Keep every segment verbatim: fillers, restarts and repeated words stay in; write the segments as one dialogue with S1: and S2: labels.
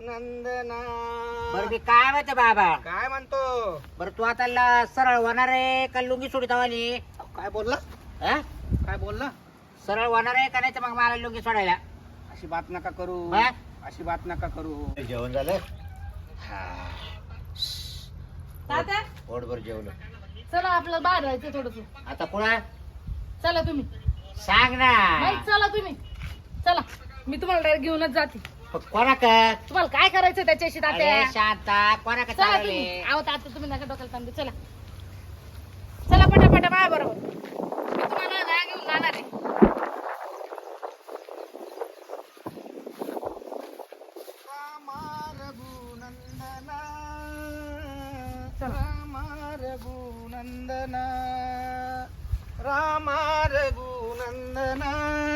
S1: नंदना.
S2: बरं मी काय म्हणते बाबा,
S1: काय म्हणतो?
S2: बरं तू आता ल- सरळ होणार आहे का लुंगी सोडित वाली?
S1: काय बोलला?
S2: हा?
S1: काय बोलला?
S2: सरळ होणार आहे का नाही तर मग मला लुंगी सोडायला?
S1: अशी बात नका करू.
S2: हा?
S1: अशी बात नका करू.
S2: जेवण झालं?
S3: तात्या
S2: पोटभर जेवलं.
S3: चला आपलं बाहेर जायचं थोडस.
S2: आता पुन्हा
S3: चला तुम्ही.
S2: सांग ना.
S3: नाही चला तुम्ही. चला मी तुम्हाला डायरेक्ट घेऊनच जाते.
S2: कोणा का?
S3: तुम्हाला काय करायचं त्याच्याशी तात्या?
S2: अरे शांता, कोणा का
S3: चला
S2: चालवले?
S3: तुम्ही. आहो तात्या तुम्ही नका डोक्याला ताण देऊ. चला चला पटापटा माझ्या बरोबर. मी तुम्हाला ना घेऊन जाणार आहे.
S1: रामा रघुनंदना.
S3: चला.
S1: रामा रघुनंदना. रामा रघुनंदना.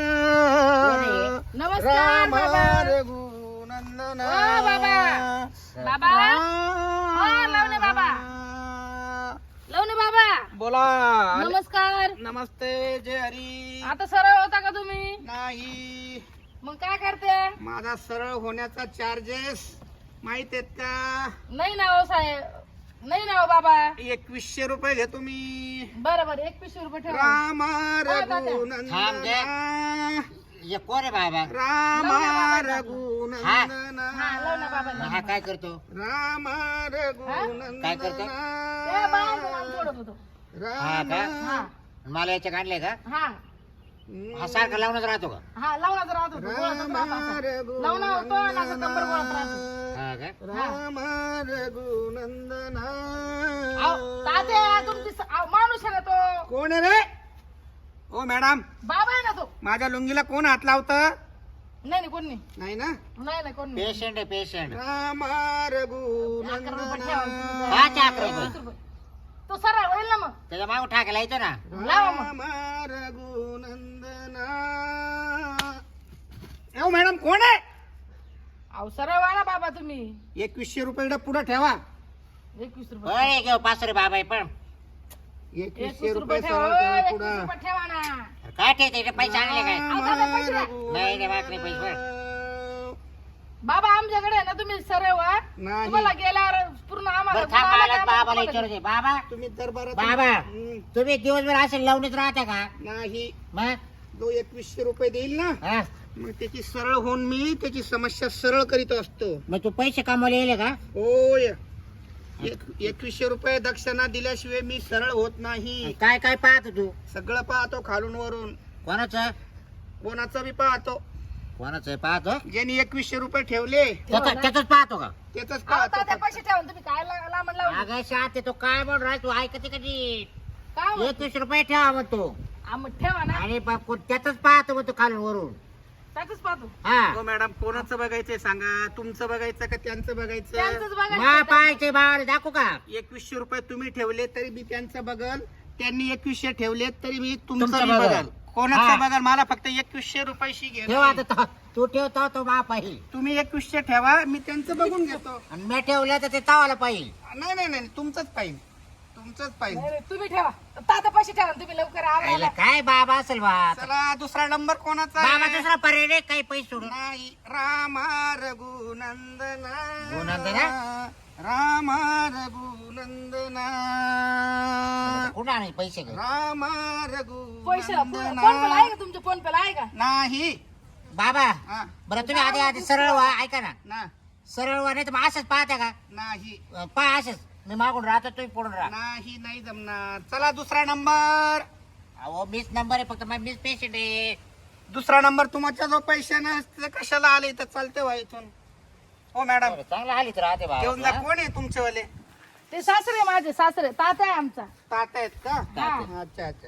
S3: नमस्कार
S1: रामा
S3: बाबा.
S1: रघुनंदना.
S3: ओ बाबा. बाबा ओ लवणे बाबा. लवणे बाबा
S1: बोला.
S3: नमस्कार.
S1: नमस्ते जय हरी.
S3: आता सरळ होता का तुम्ही?
S1: नाही,
S3: मग काय करते?
S1: माझा सरळ होण्याचा चार्जेस माहित आहेत का?
S3: नाही ना हो साहेब. नाही ना हो बाबा.
S1: एकवीसशे रुपये घेतो मी.
S3: बरं बरं एकवीसशे रुपये ठेवा.
S1: रामा
S2: थांब
S1: रघुनंदना.
S2: ये कोण आहे बाबा?
S1: रामा
S3: हा.
S1: रघुनंदना.
S3: हा लाव ना बाबा.
S2: हा काय करतो?
S1: रामा रघुनंदना.
S2: काय करतो?
S3: ते बाळाचं नाव सोडत होतो.
S2: हा का?
S3: हा
S2: मला याच्या आणले का?
S3: हा
S2: हा सारखा लावूनच राहतो का?
S3: हा लावणाच राहत होतो. गोळाचाच राहत असा. लावणं होतो आणि असं कंबर गोळात राहतो.
S2: हा का?
S1: रामा रघुनंदना.
S3: अहो, तात्या तुमची स- अहो, माणूस आहे ना तो.
S1: कोण आहे रे? ओ मॅडम,
S3: बाबा आहे ना तो.
S1: माझ्या लुंगीला कोण हात लावत?
S3: नाही नाही कोण नाही.
S1: नाही ना.
S3: नाही नाही कोण नाही.
S2: पेशंट आहे पेशंट.
S1: रामा
S3: अकरा रुपये
S1: रघुनंदना.
S3: ठेवा तुम्ही.
S2: हा, चा अकरा रुपये.
S3: वीस रुपये. तो सरळ होईल ना मग.
S2: त्याच्या मागून टाकायला येतो ना.
S3: लावा मग.
S1: रामा रघुनंदना. ओ मॅडम कोण आहे?
S3: अहो सरळ वाला बाबा तुम्ही.
S1: एकवीसशे रुपये पुढे ठेवा.
S3: एकवीस रुपये.
S2: बरे घेऊ पाच रे बाबा आहे पण
S1: एकवीसशे
S3: एकवीस
S1: रुपये
S3: रुपये ठेवा.
S1: सरळ ठेवा
S3: एकवीस
S1: पुढं.
S3: रुपये ठेवा ना.
S2: काय ठेवते पैसे आणले काय?
S3: अहो, दादा, पैसे द्या.
S2: नाही नाही बाकी पैसे भर.
S3: बाबा आमच्याकडे आहे ना तुम्ही सरळ व्हा.
S1: नाही.
S3: तुम्हाला गेल्यावर पूर्ण आम्हाला
S2: बरं थांब
S3: तुम्हाला
S2: मला
S3: काय
S2: बाबाला
S3: माहिती
S2: विचारू दे. बाबा
S1: तुम्ही दरबारात
S2: बाबा.
S1: हम्म,
S2: तुम्ही दिवसभर असे लावणीच राहता का?
S1: नाही.
S2: मग
S1: जो एकवीसशे रुपये देईल ना,
S2: हा?
S1: मग त्याची सरळ होऊन मी त्याची समस्या सरळ करीत असतो.
S2: मग तू पैसे कमवले येले का?
S1: होय. एक- एकवीसशे रुपये दक्षिणा दिल्याशिवाय मी सरळ होत नाही.
S2: काय काय पाहतो तू?
S1: सगळं पाहतो खालून वरून.
S2: कोणाचं
S1: कोणाचं बी पाहतो.
S2: कोणाचं पाहतो?
S1: ज्यांनी एकवीसशे रुपये ठेवले
S2: त्याचं त्याच पाहतो का?
S1: त्याच
S3: अहो,
S1: पाहतो
S3: तात्या
S1: फक्त.
S3: पैसे ठेवा ना तुम्ही. काय ला- लांबण लावली?
S2: अगं शांत तो काय म्हणून राह तू ऐकते कधी?
S3: काय म्हणतो?
S2: एकवीस रुपये ठेवा म्हणतो
S3: आ, मग ठेवा ना.
S2: आणि प- को- त्याच पाहतो म्हणतो खालून वरून.
S3: त्यातच पाहतो.
S2: हा
S1: हो मॅडम, कोणाचं बघायचंय सांगा? तुमचं बघायचं का त्यांचं बघायचं?
S3: त्यांचंच
S2: मा
S3: बघायचं.
S2: पाहायचे भावाला दाखवू का?
S1: एकवीसशे रुपये तुम्ही ठेवले तरी मी त्यांचं बघल. त्यांनी एकवीसशे ठेवले तरी मी तुमचं
S2: तुमचं
S1: बी
S2: बघल.
S1: बघल. कोणाचं
S2: हा.
S1: बघल? मला फक्त एकवीसशे रुपयाशी घे.
S2: ठेवा आता तो- तू ठेवतो तो मा पाहिजे
S1: तुम्ही एकवीसशे ठेवा, मी त्यांचं बघून घेतो.
S2: आणि मी ठेवलं तर ते तावाला पाहिजे.
S1: नाही नाही नाही, तुमचंच पाहिजे. तुमचंच पाहिजे.
S3: नाही, नाही, तुम्ही ठेवा. तात्या पैसे ठेवा ना तुम्ही लवकर
S2: यायला
S3: आम्हाला.
S2: काय बाबा असेल बा
S1: चला, दुसरा नंबर कोणाचा
S2: बाबा
S1: आहे?
S2: दुसरा पर्याय नाही, काही पैसे सोडून.
S1: नाही. रामा रघुनंदना.
S2: रघुनंदना?
S1: रामा रघुनंदना.
S2: कुठं आणायचे पैसे घे?
S1: रामा
S3: पैसे फोन
S1: रघुनंदना.
S3: पेला आहे का तुमच्या फोन पेला आहे का?
S1: नाही.
S2: बाबा
S1: हा,
S2: बरं तुम्ही आधी आधी सरळ व्हा. ऐका ना,
S1: ना
S2: सरळ व्हा नाही तर मग असंच पाहता का?
S1: नाही
S2: पहा असंच मी मागून राहतो तुम्ही पुढून राहा.
S1: नाही नाही जमणार. चला दुसरा नंबर.
S2: अहो मीच नंबर आहे फक्त मग मीच पेशंट आहे.
S1: दुसरा नंबर तुमच्या जो पैसे नसते कशाला आले तर चालते व्हा इथून. हो मॅडम,
S2: बरं, चांगलं आलीच राहते
S1: घेऊन जा.
S2: बाबा.
S1: कोण आहे तुमचेवाले?
S3: ते सासरे माझे सासरे. तात्या आहे आमचा.
S1: ताट आहेत का?
S3: हा.
S1: अच्छा अच्छा.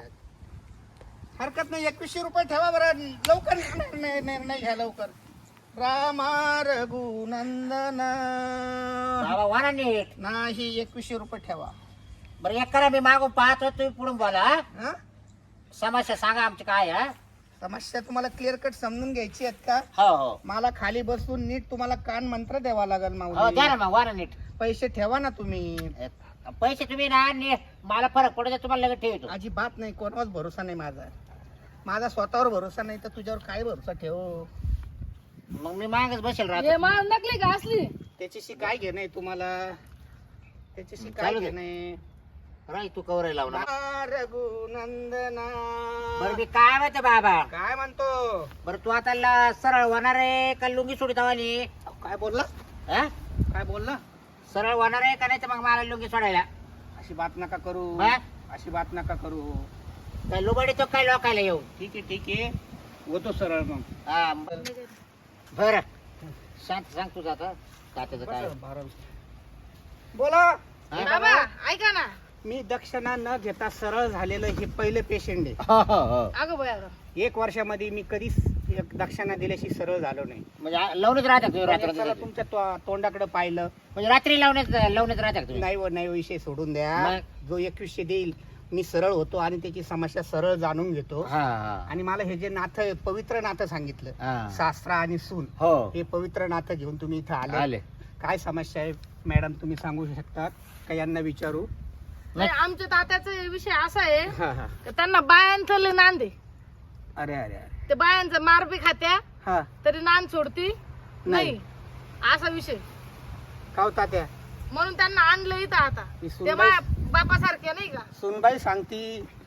S1: हरकत नाही, एकवीसशे रुपये ठेवा बरं. लवकर निर्णय निर्णय घ्या लवकर. रामा रघुनंदना.
S2: बाबा वाना नीट.
S1: नाही, एकवीसशे रुपये ठेवा.
S2: बरं एक करा, मी मागून पाहतो तुम्ही पुढून बोला. हा?
S1: हा?
S2: समस्या सांगा आमची काय हा?
S1: समस्या तुम्हाला क्लिअर कट समजून घ्यायची आहेत का?
S2: हो हो
S1: मला खाली बसून नीट तुम्हाला कान मंत्र द्यावा लागेल
S2: हो
S1: माऊली.
S2: द्या ना मग वाना नीट.
S1: पैसे ठेवा ना तुम्ही.
S2: पैसे तुम्ही ना नीट मला फरक पडू द्या, तुम्हाला लगेच ठेवतो.
S1: अजिबात नाही, कोणावर भरोसा नाही माझा. माझा स्वतःवर भरोसा नाही तर तुझ्यावर काय भरोसा ठेव.
S2: मग मी मागच बसेल
S3: हे
S2: राहतो.
S3: मा नकली का असली?
S1: त्याच्याशी काय घेणं आहे तुम्हाला? त्याच्याशी काय
S2: चालू दे.
S1: घेणं आहे?
S2: राय तू कवर लावणार
S1: रघुनंदना.
S2: बरं मी काय म्हणतो बाबा?
S1: काय म्हणतो?
S2: बरं तू आता ल- सरळ होणार आहे का लुंगी सोडित आली?
S1: काय बोलला?
S2: हा?
S1: काय बोलला?
S2: सरळ होणार आहे का नाही तर मग मला लुंगी सोडायला?
S1: अशी बात नका करू.
S2: हा?
S1: अशी बात नका करू.
S2: काय लुबडी तो काय लोकायला येऊ?
S1: ठीक आहे ठीक आहे, होतो सरळ मग.
S2: हा बर सांग सांग तुझं आता तात्याचं काय?
S1: बोला.
S2: हा?
S3: बाबा ऐका ना.
S1: मी दक्षिणा न घेता सरळ झालेलं हे पहिले पेशंट आहे.
S2: हो हो हो
S3: अगं बया अगं.
S1: एक वर्षामध्ये मी कधीच एक दक्षिणा दिल्याशी सरळ झालो नाही.
S2: म्हणजे आ- लावूनच राहतात तुम्ही रात्र
S1: चला तुमच्या तो- तोंडाकडे पाहिलं.
S2: म्हणजे रात्री लावण्यात लावण्यात राहतात तुम्ही?
S1: नाही व नाही विषय सोडून द्या.
S2: मग?
S1: जो एकवीसशे देईल मी सरळ होतो आणि त्याची समस्या सरळ जाणून घेतो.
S2: हा हा
S1: आणि मला हे जे नातं पवित्र नातं सांगितलं,
S2: हा.
S1: सासरा आणि सून,
S2: हो
S1: हे पवित्र नातं घेऊन तुम्ही इथं आले.
S2: आले
S1: काय समस्या आहे मॅडम, तुम्ही सांगू शकतात का? यांना विचारू.
S3: नाही, आमच्या तात्याचा विषय असा आहे
S1: हा हा.
S3: की त्यांना बायांचं लय नांदे.
S1: अरे अरे अरे.
S3: ते बायांचं मारबी खात्या
S1: हा.
S3: तरी नांद सोडती
S1: नाही.
S3: नाही असा विषय.
S1: का होता त्या
S3: म्हणून त्यांना आणलं इथं आता.
S1: ती
S3: ते
S1: सुनबाई
S3: बाया बापासारखे नाही का?
S1: सुनबाई सांगती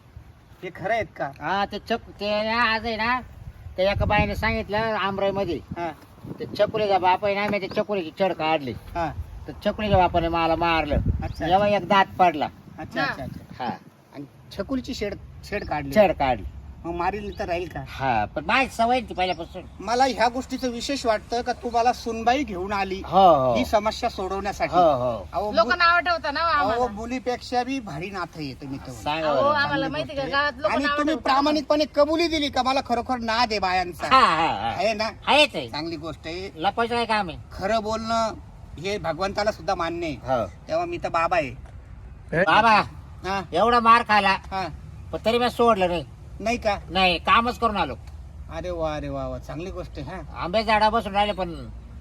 S1: हे खरं आहेत का?
S2: हा ते चक ते ना आज आहे ना त्या एका बाईने सांगितलं आमराई मध्ये
S1: हा
S2: ते चकुलीचा बाप आहे ना मी ते चकुलीची चढ काढली
S1: हा.
S2: तर चकुलीच्या बापाने मला मारलं.
S1: अच्छा
S2: जेव्हा एक दात पडला.
S1: अच्छा अच्छा अच्छा.
S2: हा
S1: आणि छकुलीची शेड शेड काढली.
S2: चढ काढली.
S1: मग मारील तर राहील का?
S2: हा पण माझी सवय ती पहिल्यापासून.
S1: मला ह्या गोष्टीचं विशेष वाटतं का तुम्हाला सुनबाई घेऊन आली
S2: हो हो
S1: ही समस्या सोडवण्यासाठी.
S2: हो हो
S1: अहो,
S3: लोक
S1: मु-
S3: नाव ठेवता ना हो
S1: अहो
S3: आम्हाला.
S1: मुलीपेक्षा बी भारी नातं येतं मी तर.
S2: सांगा
S3: अहो
S2: बरं.
S3: आम्हाला
S1: चांगली
S3: माहिती
S1: गोष्ट
S3: का
S1: आहे.
S3: गावात लोक
S1: आणि
S3: नाव
S1: तुम्ही
S3: ठेवता.
S1: प्रामाणिकपणे कबुली दिली का मला खरोखर नाद आहे बायांचा.
S2: हा हा हा
S1: आहे ना?
S2: आहेच आहे.
S1: चांगली गोष्ट आहे.
S2: लपायचं काय काम आहे?
S1: खरं बोलणं हे भगवंताला सुद्धा मान्य आहे.
S2: हो
S1: तेव्हा मी तर बाबा आहे.
S2: बाबा
S1: हा
S2: एवढा मार खाला
S1: हा.
S2: पण तरी मी सोडलं नाही.
S1: नाही का?
S2: नाही कामच करून आलो.
S1: अरे वा अरे वा वा, चांगली गोष्ट आहे. हा,
S2: आंबे झाडा बसून राहिले पण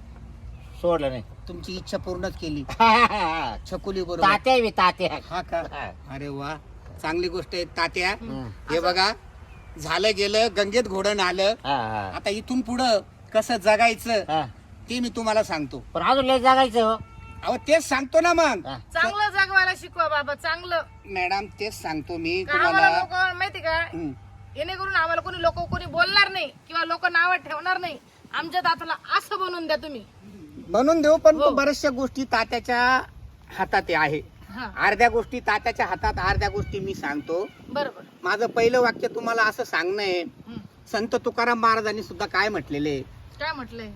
S2: सोडलं नाही.
S1: तुमची इच्छा पूर्णच केली छकुली बरोबर.
S2: तात्या आहे मी, तात्या.
S1: हा का?
S2: हा.
S1: अरे वा, चांगली गोष्ट आहे तात्या.
S2: हम्म.
S1: हे बघा, झालं गेलं, गंगेत घोडण आलं.
S2: हा, हा.
S1: आता इथून पुढं कसं जगायचं
S2: हा.
S1: ते मी तुम्हाला सांगतो.
S2: पण अजून लय जगायचं हो.
S1: अहो तेच सांगतो ना मग.
S2: हा.
S3: चांगलं जगवायला शिकवा बाबा चांगलं.
S1: मॅडम तेच सांगतो मी
S3: का आम्हाला
S1: तुम्हाला.
S3: लोक माहिती का
S1: हम्म.
S3: येणेकरून आम्हाला कोणी लोक कोणी बोलणार नाही किंवा लोक नाव ठेवणार नाही. आमच्या दाताला असं बनवून द्या तुम्ही.
S1: बनवून देऊ, पण
S3: हो.
S1: तो बऱ्याचशा गोष्टी तात्याच्या हातात आहे.
S3: हा
S1: अर्ध्या गोष्टी तात्याच्या हातात, अर्ध्या गोष्टी मी सांगतो.
S3: बरोबर.
S1: माझं पहिलं वाक्य तुम्हाला असं सांगणं आहे.
S3: हम्म.
S1: संत तुकाराम महाराजांनी सुद्धा काय म्हटलेले,
S3: काय म्हटलंय?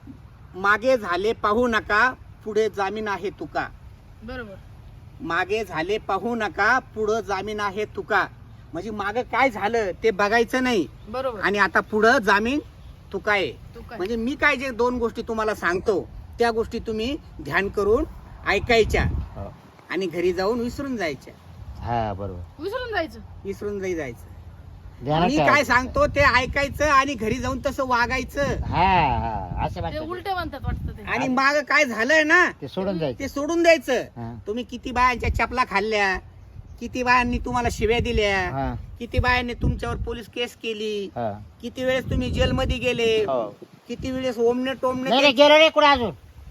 S1: मागे झाले पाहू नका, पुढे जामीन आहे तुका.
S3: बरोबर.
S1: मागे झाले पाहू नका, पुढं जामीन आहे तुका. म्हणजे मागे काय झालं ते बघायचं नाही
S3: बरोबर.
S1: आणि आता पुढं जामीन तुका आहे.
S3: तू काय
S1: म्हणजे मी काय जे दोन गोष्टी तुम्हाला सांगतो त्या गोष्टी तुम्ही ध्यान करून ऐकायच्या
S2: हो.
S1: आणि घरी जाऊन विसरून जायच्या.
S2: हा बरोबर.
S3: विसरून जायचं.
S1: विसरून जाई जायचं.
S2: ध्यानात
S1: मी काय
S2: ठेवायचं.
S1: सांगतो ते ऐकायचं आणि घरी जाऊन तसं वागायचं.
S2: हा हा असं
S3: ते
S2: म्हणतात.
S3: उलट म्हणतात वाटतं ते.
S1: आणि माग काय झालंय ना
S2: ते सोडून जायचं.
S1: ते सोडून द्यायचं.
S2: हा.
S1: तुम्ही किती बायांच्या चपला खाल्ल्या, किती बायांनी तुम्हाला शिव्या दिल्या,
S2: हा.
S1: किती बायांनी तुमच्यावर पोलीस केस केली,
S2: हा.
S1: किती वेळेस तुम्ही जेलमध्ये गेले,
S2: हो.
S1: किती वेळेस ओमने टोमने
S2: नाही नाही, गेलो नाही कुठे अजून.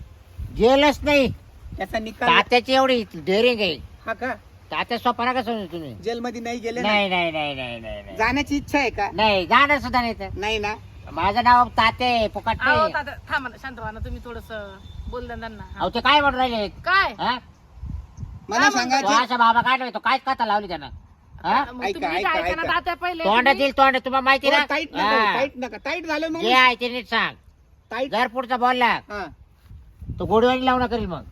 S2: गेलच नाही.
S1: त्याचा निकाल.
S2: तात्याची एवढी डेअरिंग आहे.
S1: हा का?
S2: तात्या स्वप्ना का समजू तुम्ही?
S1: जेलमध्ये नाही गेले ना?
S2: नाही नाही नाही नाही नाही नाही.
S1: जाण्याची इच्छा आहे का?
S2: नाही जाणार सुद्धा नाही तर.
S1: नाही ना?
S2: माझं नाव तात्या आहे, फुकट
S3: अहो
S2: नाही.
S3: दादा थांबा ना, शांत व्हा ना तुम्ही थोडस बोल द्या त्यांना. हा.
S2: अहो ते काय म्हणून राहिले?
S3: काय
S2: हा?
S1: मला सांगा
S2: तो
S1: जे-
S2: असा बाबा काढला तो काय कथा लावली त्यानं? हा?
S3: मग
S1: ऐका,
S3: तुम्ही
S1: ऐका,
S3: इथे ऐका ना
S1: ऐका.
S3: तात्या पहिले.
S2: तोंड
S3: तुम्ही-
S2: दिल तोंड तुम्हाला माहिती ना?
S1: टाईट नका
S2: हा.
S1: टाईट नका टाईट झालं मग.
S2: जे आहे ते नीट सांग.
S1: टाईट.
S2: जर पुढचा बोलला
S1: हा.
S2: तो गोडवानी लावणं करील मग.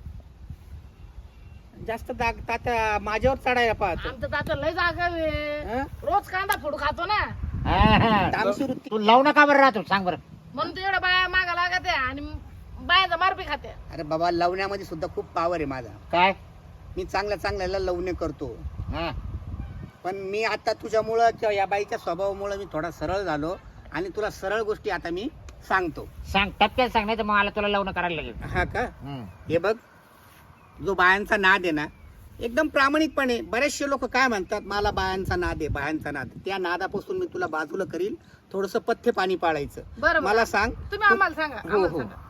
S1: जास्त दाग तात्या माझ्यावर चढायला पाहतो.
S3: आमचं तात्या लय जागा
S1: हा?
S3: रोज कांदा फोडू खातो ना.
S2: हा, हा.
S1: तामसी वृत्ती.
S2: तू लावणं का बरं राहतो सांग बरं.
S3: म्हणून तू एवढ्या बाया मागा लागत आहे आणि बायाचा मारपी खाते.
S1: अरे बाबा, लवण्यामध्ये सुद्धा खूप पावर आहे माझा.
S2: काय?
S1: मी चांगल्या चांगल्याला लवणे करतो.
S2: हा.
S1: पण मी आता तुझ्यामुळं किंवा या बाईच्या स्वभावामुळे मी थोडा सरळ झालो आणि तुला सरळ गोष्टी आता मी सांगतो.
S2: सांग टपक्यात सांग नाही तर मग मला तुला लावणं करायला लागेल.
S1: हा का?
S2: हम्म.
S1: हे बघ, जो बायांचा नाद आहे ना, एकदम प्रामाणिकपणे बरेचसे लोक काय म्हणतात, मला बायांचा नाद आहे, बायांचा नाद. त्या नादापासून मी तुला बाजूला करील. थोडस पथ्य पाणी पाळायचं.
S3: बरं
S1: मला सांग.
S3: तुम्ही आम्हाला सांगा.
S1: हो
S3: आम्हाला
S1: हो
S3: सांगा.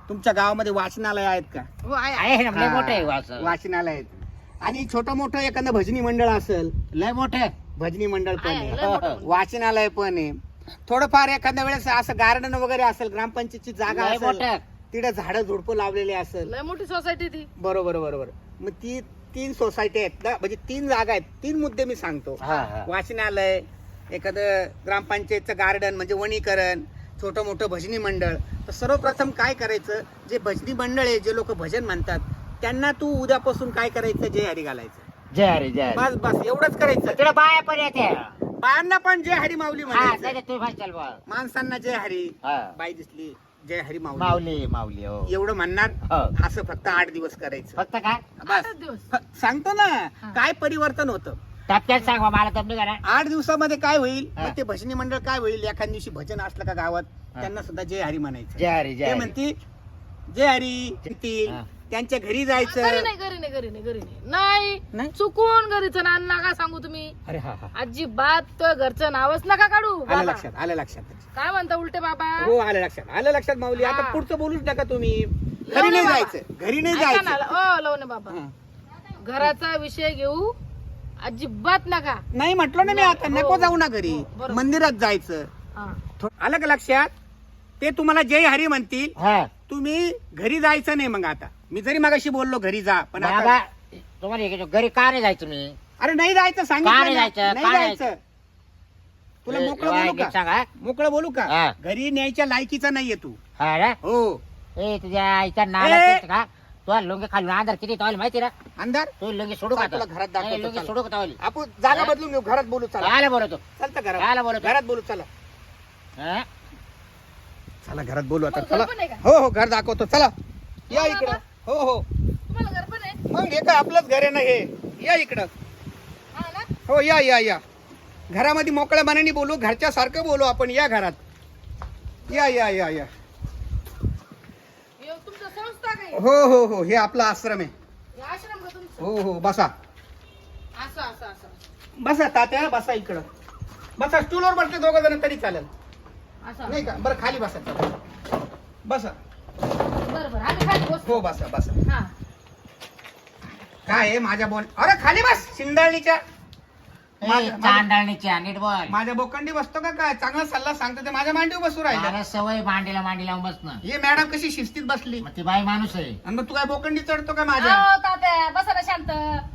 S1: तुमच्या गावामध्ये वाचनालय आहेत का?
S3: हो आहे आहे.
S2: आहे ना लय
S1: हा,
S2: मोठं आहे वास
S1: वाचनालय आहेत. आणि छोटं मोठं एखादं भजनी मंडळ असेल,
S2: लय मोठं
S1: भजनी मंडळ पण
S3: आहे, लय
S1: आहे,
S3: मोठं.
S1: वाचनालय पण आहे. थोडंफार एखाद्या वेळेस असं गार्डन वगैरे असेल, ग्रामपंचायतची जागा
S2: लय
S1: असेल,
S2: मोठं
S1: तिथे झाडं झुडपं लावलेले असेल.
S3: लय मोठी सोसायटी ती.
S1: बरोबर बरोबर. मग ती तीन सोसायटी आहेत ना, म्हणजे तीन जागा आहेत. तीन मुद्दे मी सांगतो.
S2: हा हा
S1: वाचनालय, एखादं ग्रामपंचायतचं गार्डन म्हणजे वनीकरण, छोटं मोठं भजनी मंडळ. तर सर्वप्रथम काय करायचं, जे भजनी मंडळ आहे, जे लोक भजन म्हणतात, त्यांना तू उद्यापासून काय करायचं, जय हरी घालायचं.
S2: जय हरी जय हरी.
S1: बस बस एवढंच करायचं.
S2: तिकडे बाया पण येते
S1: बायांना पण जय हरी माऊली
S2: हा
S1: म्हणायचं.
S2: नाही तुम्ही भाषाल बा
S1: माणसांना जय हरी,
S2: हा
S1: बाई दिसली जय हरी माऊली,
S2: माऊली माऊली हो
S1: एवढं म्हणणार.
S2: हो.
S1: असं फक्त आठ दिवस करायचं.
S2: फक्त काय
S1: बस
S3: आठच दिवस.
S1: फ- सांगतो ना
S3: हा.
S1: काय परिवर्तन होतं.
S2: टपक्यात सांग बा, मला तब्ली करा.
S1: आठ दिवसामध्ये काय होईल,
S2: हा.
S1: मग ते भजनी मंडळ काय होईल, एखाद्या दिवशी भजन असलं का गावात,
S2: हा.
S1: त्यांना सुद्धा जय हरी म्हणायचं.
S2: जय हरी जय
S1: ते
S2: हरी.
S1: म्हणतील जय हरी म्हणतील.
S2: हा.
S1: त्यांच्या घरी
S3: घरी
S1: जायचं.
S3: नाही घरी नाही घरी नाही घरी नाही नाही
S1: नाही?
S3: चुकून घरीचं नाव नका सांगू तुम्ही.
S1: अरे हा हा
S3: अजिबात तो घरचं नावच नका काढू
S1: आलं
S3: बाबा.
S1: लक्षात, आलं लक्षात.
S3: काय म्हणता उलटे बाबा?
S1: हो आलं लक्षात, आलं लक्षात माऊली. आता
S3: हा.
S1: पुढचं बोलूच नका तुम्ही. घरी
S3: लवणे
S1: नाही
S3: बाबा.
S1: जायचं, घरी नाही
S3: ऐका ना,
S1: जायचं.
S3: ओ लवणे बाबा,
S1: हा.
S3: घराचा विषय घेऊ अजिबात नका.
S1: नाही म्हटलं ना मी आता,
S3: हो.
S1: नको जाऊ ना घरी,
S3: हो, बरोबर.
S1: मंदिरात जायचं.
S3: हा.
S1: थो- आलं का लक्षात? ते तुम्हाला जय हरी म्हणतील,
S2: हा
S1: तुम्ही घरी जायचं नाही. मग आता मी जरी मगाशी बोललो घरी जा, पण आता-
S2: बाबा तुम्हाला एक घरी का नाही जायचं मी
S1: अरे नाही जायचं,
S2: का
S1: सांगितलं
S2: नाही
S1: ना.
S2: जायचं?
S1: नाही
S2: का
S1: जायचं. तुला
S2: ए,
S1: मोकळं
S2: एवढा
S1: बोलू
S2: नीट
S1: का?
S2: सांगा
S1: मोकळं बोलू का?
S2: हा.
S1: घरी न्यायच्या लायकीचा नाहीये तू.
S2: हा ना
S1: हो.
S2: ए तुझ्या आईच्या नाला
S1: ए!
S2: तेच का तुला लुंगी खालून अंधार किती तवाली माहिती ना
S1: अंधार
S2: तू लुंगी सोडू का
S1: चल, तुला घरात
S2: नाही,
S1: दाखवतो,
S2: लुंगी
S1: चल.
S2: सोडू का तवाली
S1: आपण जागा
S2: हा?
S1: बदलून घेऊ, घरात बोलू. चला
S2: काय बोलतो
S1: चलतं
S2: कायला
S1: घरात,
S2: बोलतो?
S1: घरात बोलू. चला
S2: हा?
S1: चला घरात बोलू आता.
S3: मग
S1: चला.
S3: घर पण आहे का?
S1: हो हो घर दाखवतो. चला या
S3: हो,
S1: इकडं.
S3: बाबा.
S1: हो हो
S3: तुम्हाला घर पण आहे?
S1: मग हे काय आपलंच घर आहे ना हे. या इकडं.
S3: हा ना?
S1: हो या या या घरामध्ये मोकळ्या मनाने बोलू, घरच्या सारखं बोलू आपण. या घरात या या या या.
S3: हे तुमचं संस्था काही
S1: हो हो हो हे आपला आश्रम आहे.
S3: हे आश्रम का तुमचं?
S1: हो हो बसा
S3: असं असं असं
S1: बसा तात्या, बसा इकडं. बसा स्टूलवर बसले दोघं जण तरी चालेल,
S3: असं
S1: नाही का? बरं खाली बसा. चला. बसा.
S3: बरं बरं आम्ही खाली बसतो.
S1: हो बसा बसा.
S3: हा.
S1: काय आहे माझ्या बोल, अरे खाली बस. शिंदाळणीच्या
S2: ए,
S1: माझ्या-
S2: चांदणीच्या नीट बोल
S1: माझ्या बोकंडी बसतो का काय? चांगला सल्ला सांगतो ते माझ्या मांडीवर बसू राहिला.
S2: मला सवय मांडीला मांडी लावून बसणं
S1: हे मॅडम कशी शिस्तीत बसली,
S2: मग ती बाई माणूस आहे
S1: आणि मग तू काय बोकंडी चढतो का माझ्या?
S3: अहो, तात्या बसा ना शांत.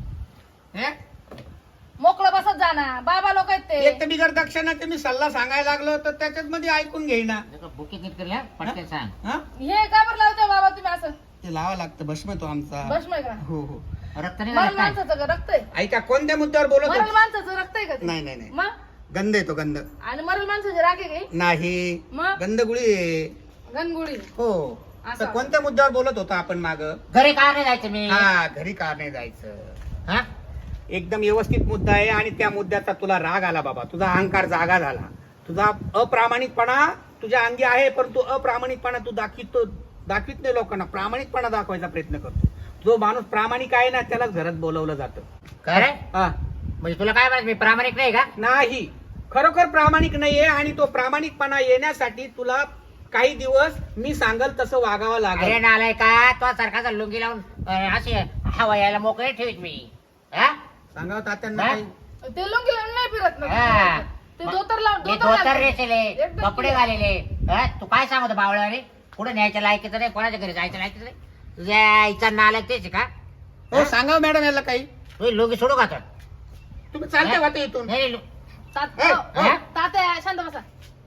S1: हे?
S3: मोकळं बसत जा ना. बाबा लोक आहेत
S1: एक तर
S3: ते.
S1: बिगर दक्षिणा ते मी सल्ला सांगायला लागलो तर त्याच्यात मध्ये ऐकून घेईना.
S2: बुकिंग नीट कर पटकन सांग
S1: हा?
S3: हे का बरं लावते बाबा तुम्ही असं?
S1: ते लावा लागतं, भस्म तो आमचा.
S3: भस्म आहे का?
S1: हो हो.
S2: रक्त नाही
S3: मरण
S2: लागत काय?
S3: माणसाचं का रक्त आहे?
S1: ऐका कोणत्या मुद्द्यावर बोलत
S3: मरण
S1: होते?
S3: माणसाचं रक्त आहे का ते?
S1: नाही नाही नाही
S3: मग
S1: गंध येतो गंध.
S3: आणि मरण माणसाचे राखे काही
S1: नाही
S3: मग
S1: गंधगुळी आहे.
S3: गणगुळी.
S1: हो.
S3: असं.
S1: तर कोणत्या मुद्द्यावर बोलत होतो आपण माग?
S2: घरी का नाही जायचं मी
S1: हा घरी का नाही जायचं.
S2: हा
S1: एकदम व्यवस्थित मुद्दा आहे आणि त्या मुद्द्याचा तुला राग आला बाबा. तुझा अहंकार जागा झाला. तुझा अप्रामाणिकपणा तुझ्या अंगी आहे, परंतु अप्रामाणिकपणा तू दाखवितो दाखवित नाही लोकांना. प्रामाणिकपणा दाखवायचा प्रयत्न करतो. जो माणूस प्रामाणिक आहे ना त्यालाच घरात बोलवलं जातं.
S2: खरं
S1: हा
S2: म्हणजे तुला काय म्हणायचं मी प्रामाणिक नाही का
S1: नाही, खरोखर प्रामाणिक नाहीये. आणि तो प्रामाणिकपणा येण्यासाठी तुला काही दिवस मी सांगल तसं वागावं
S2: अरे
S1: लागेल.
S2: नालाय का तो सारखा लुंगी लावून अं, असे हवा यायला मोकळे ठेवीत मी हा
S1: सांगावं तात्यांना
S2: हा?
S1: काही.
S3: ते लुंगी लावून नाही फिरत ना.
S2: हा.
S3: ते धोतर लावून
S2: हे
S3: धोतर
S2: धोतर
S3: घालतात.
S2: रेचेले
S3: एकदम
S2: कपडे
S3: clear.
S2: घालेले हा? तू काय सांगतो बावळ्याने कुठे न्यायच्या लायकीचं नाही, कोणाच्या घरी जायचं लायकीचं नाही. तुझ्या आईचा नालायक तेच आहे का
S1: हो सांगावं मॅडम याला काही.
S2: तू लुंगी सोडू का तर
S1: तुम्ही चालते वाटतं इथून.
S2: नाही लु-
S3: तात-
S1: ए,
S3: हो,
S2: हा?
S3: तात्या शांत बसा.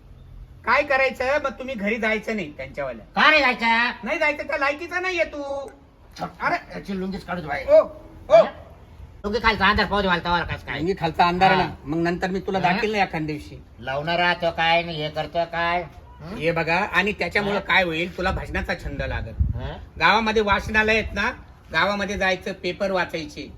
S1: काय करायचं मग तुम्ही घरी जायचं नाही त्यांच्यावाल्या.
S2: का नाही जायचं
S1: नाही जायचं त्या लायकीचा नाहीये तू. अरे
S2: याची लुंगीच काढू दे बाई.
S1: ओ ओ
S2: लुंगी खालचा अंधार पाहू दे मला तवाला कसं काय
S1: अंगी खालचा अंधार आहे
S2: हा.
S1: ना, मग नंतर मी तुला
S2: हा?
S1: दाखील नाही एखाद दिवशी.
S2: लावणार राहतो काय नाही हे करतो काय हं?
S1: हे बघा. आणि त्याच्यामुळे
S2: हा?
S1: काय होईल, तुला भजनाचा छंद लागल.
S2: हं?
S1: गावामध्ये वाचनालय आहेत ना, गावामध्ये जायचं, पेपर वाचायचे.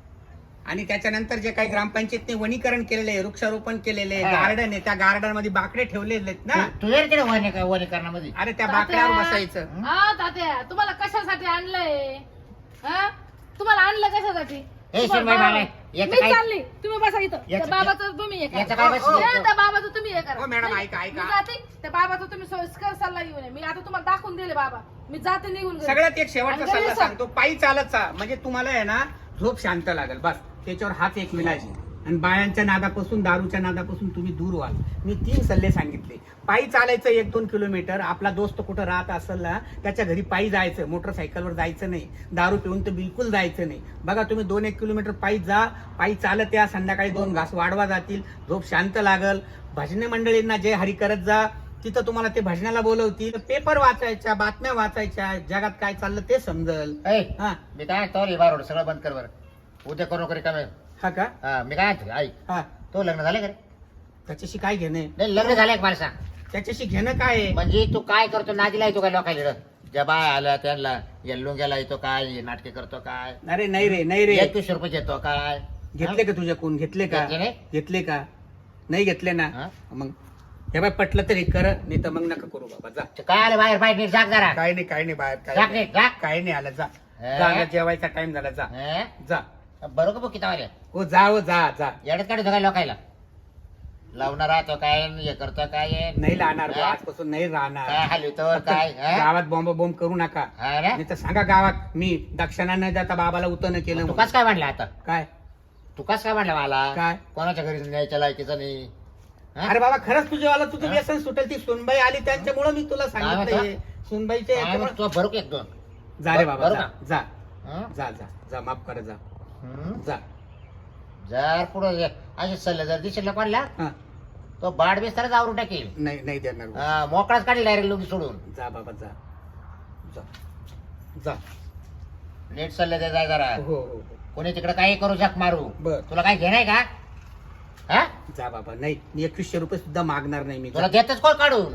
S1: आणि त्याच्यानंतर जे काही ग्रामपंचायतने वनीकरण केलेले आहे, वृक्षारोपण केलेले आहे,
S2: हा.
S1: गार्डन आहे, त्या गार्डन मध्ये बाकडे ठेवलेले आहेत ना.
S2: तू ये रे तिकडे वनी वनीकरणामध्ये
S1: अरे त्या
S3: तात्या.
S1: बाकड्यावर बसायचं.
S3: हा तात्या तुम्हाला कशासाठी आणलंय? हा तुम्हाला आणलं कशासाठी?
S2: ए
S3: तुम्हाला
S2: सुनबाई मला
S3: बाबा-
S2: याचं
S3: मी
S2: काय
S3: चालली तुम्ही बसा इथं त्या
S2: याचं-
S3: बाबाचं तुम्ही हे करा.
S2: याचं काय
S1: हो,
S2: बस
S1: हो.
S3: नाही, त्या बाबाचं तुम्ही हे करा
S1: हो, मॅडम,
S3: नाही,
S1: ऐका, ऐका.
S3: मी जाते त्या बाबाचं तुम्ही सोयीस्कर सल्ला घेऊन या. मी आता तुम्हाला दाखवून दिले बाबा मी जाते निघून घरी.
S1: सगळ्यात एक शेवटचा
S3: आणि घरी
S1: सल्ला
S3: जा.
S1: सांगतो, पायी चालत चा म्हणजे तुम्हाला आहे ना झोप शांत लागेल, बस त्याच्यावर हाच एक विलाज आहे. आणि बायांच्या नादापासून दारूच्या नादापासून तुम्ही दूर व्हाल. मी तीन सल्ले सांगितले. पायी चालायचं एक दोन किलोमीटर, आपला दोस्त कुठं राहत असेल ना त्याच्या घरी पायी जायचं, मोटरसायकलवर जायचं नाही, दारू पिऊन तर बिलकुल जायचं नाही. बघा तुम्ही दोन एक किलोमीटर पायी जा, पायी चालत या, संध्याकाळी दोन घास वाढवा जातील, झोप शांत लागल. भजने मंडळींना जय हरी करत जा, तिथं तुम्हाला ते भजनाला बोलवतील. पेपर वाचायच्या, बातम्या वाचायच्या, जगात काय चाललं ते समजल.
S2: ए,
S1: हा
S2: मी काय तो लिहा रोड सगळं बंद कर बरं उद्या करू नोकरी कमी
S1: हा का
S2: हा मी काय म्हणतो, आई
S1: हा
S2: तो लग्न झाले का रे?
S1: त्याच्याशी काय घेणे,
S2: नाही लग्न झालंय का मला सांग.
S1: त्याच्याशी घेणं काय आहे?
S2: म्हणजे तू काय करतो नादीला येतो काय लोकांना ज्या बाय आल्या त्यांना येल्लून गेला येतो काय नाटके करतो काय
S1: अरे नाही रे नाही रे,
S2: एकवीस रुपये येतो काय
S1: घेतले का तुझ्या कोण घेतले का
S2: घेतले नाही?
S1: घेतले का नाही घेतले ना
S2: हा?
S1: मग हे बाय पटलं तरी कर, नाही तर मग नका करू बाबा, जा.
S2: ते काय आलं बाहेर बाहेर नीट जाग जरा
S1: काय नाही काय नाही बाहेर काय
S2: जाग
S1: नाही.
S2: नीट जा
S1: काय नाही आलं, जा
S2: हे?
S1: जा, आता जेवायचा टाइम झाला, जा
S2: हे?
S1: जा.
S2: बरोबर बघ किती वाले
S1: हो जा हो जा जा
S2: येडत काढतो काय लोकायला लावणार राहतो काय हे करतो काय
S1: नाही राहणार बुवा,
S2: हा?
S1: आजपासून नाही राहणार.
S2: काय हलवतो काय हा?
S1: गावात बॉम्ब बॉम्ब करू नका,
S2: हा रे?
S1: नाही तर सांगा गावात मी दक्षिणा न जाता बाबाला उतन केलं
S2: तू
S1: म्हणून.
S2: कस काय म्हणलं आता
S1: काय
S2: तू कस काय म्हणलं मला
S1: काय?
S2: कोणाच्या घरी न्यायच्या लायकीचं नाही हा?
S1: अरे बाबा खरंच तुझ्यावाला तुझं
S2: हा?
S1: व्यसन सुटेल. ती सुनबाई आली त्यांच्यामुळे मी तुला सांगितलं
S2: म्हणतो?
S1: सुनबाईच्या
S2: काय
S1: याच्यामुळं-
S2: म्हणतो? तू भरू का एक दोन
S1: जा रे बाबा,
S2: बरं
S1: जा
S2: का?
S1: जा
S2: हा?
S1: जा जा जा माफ कर, जा
S2: हम्म?
S1: जा.
S2: जर पुढे असे सल्ले जर दिसेल कोणला
S1: हा
S2: तो बाड बिस्तारच आवरून टाकेल
S1: नाही नाही देणार बुवा.
S2: हा, मोकळाच काढेल डायरेक्ट लुंगी सोडून
S1: जा बाबा जा जा जा.
S2: लेट सल्ले दे जाय जरा
S1: हो हो हो
S2: कोणी तिकडे काही करू जक मारू
S1: बर.
S2: तुला काय घेणार का हा
S1: जा बाबा, नाही मी एकवीसशे रुपये सुद्धा मागणार नाही मी.
S2: तुला देतच कोण काढून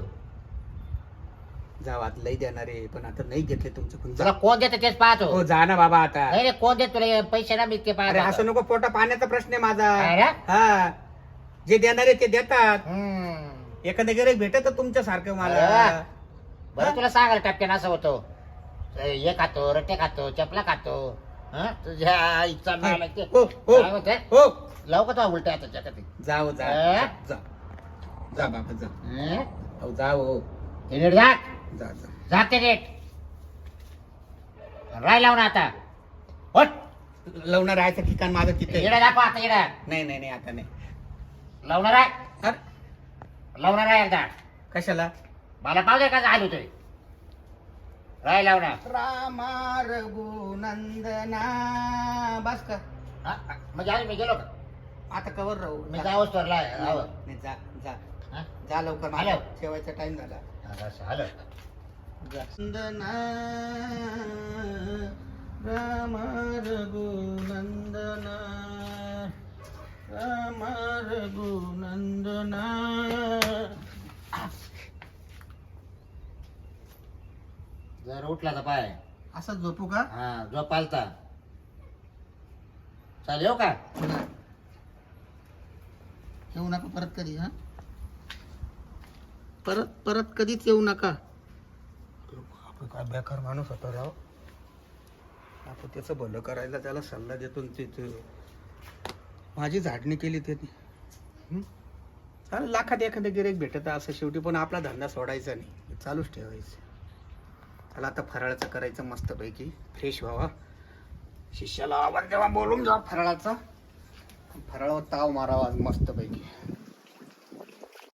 S1: जा आता लई देणार आहे, पण आता नाही घेतले तुमच्याकडून,
S2: तुला
S1: जा.
S2: कोण देत तेच पाहतो
S1: हो जा ना बाबा आता.
S2: नाही रे कोण देत तुला हे पैसे ना मी ते
S1: अरे असं
S2: पाहतो
S1: नको, पोटा पाण्याचा प्रश्न आहे माझा.
S2: अरे?
S1: हा जे देणार आहे ते देतात.
S2: हम्म.
S1: एखाद्या गिऱ्हाईक भेटत तुमच्या सारखं मला.
S2: अरे. बरं तुला सांगाल टपक्यान असं होतो हे खातो रट्टे खातो चपला खातो हा तुझ्या इच्छा मला ते
S1: हो हो
S2: काय होतंय?
S1: हो
S2: लावू का तो उलट्या आता जगात
S1: जाओ जा
S2: अ?
S1: जा जा बाबा जा.
S2: हं?
S1: हो जाओ हो.
S2: ते नीट जा
S1: जा जा.
S2: जाते नीट राय लावून आता होट
S1: लवणं राहायचं ठिकाण माझं तिथे आहे.
S2: येडा दाखव आता येडा
S1: नाही नाही नाही आता नाही.
S2: लावणार आहे
S1: अरे,
S2: लावणार आहे एकदा
S1: कशाला?
S2: मला पाहू दे का आलो होतोय राय लावणार
S1: रामा रघुनंदना. बस का
S2: हा? म्हणजे आज मी गेलो का
S1: आता कवर राहू.
S2: मी जावंच तर लाय
S1: नाही,
S2: आवर.
S1: नाही, जा जा
S2: हा?
S1: जा लवकर,
S2: आलो.
S1: मला ठेवायचा टाइम झाला.
S2: हा, बस, आलो
S1: नंदना राम रघुनंदना राम रघुनंदना.
S2: जर उठला तर पाय
S1: असं झोपू का?
S2: हा जो पालता चालेल येऊ का
S1: येऊ नका परत कधी. हा परत परत कधीच येऊ नका. आपण काय बेकार माणूस होता राव. आपण त्याचं भलं करायला त्याला सल्ला देतो आणि ते ते माझी झाडणी केली त्यांनी. हं? चालेल, लाखात एखादं गिऱ्हाईक भेटत असं शेवटी, पण आपला धंदा सोडायचा नाही, चालूच ठेवायचं. त्याला आता फराळाचं करायचं मस्तपैकी, फ्रेश व्हावा. शिष्याला आवाज जेव्हा बोलून जा फराळाचा, फराळावर ताव मारावा मस्तपैकी.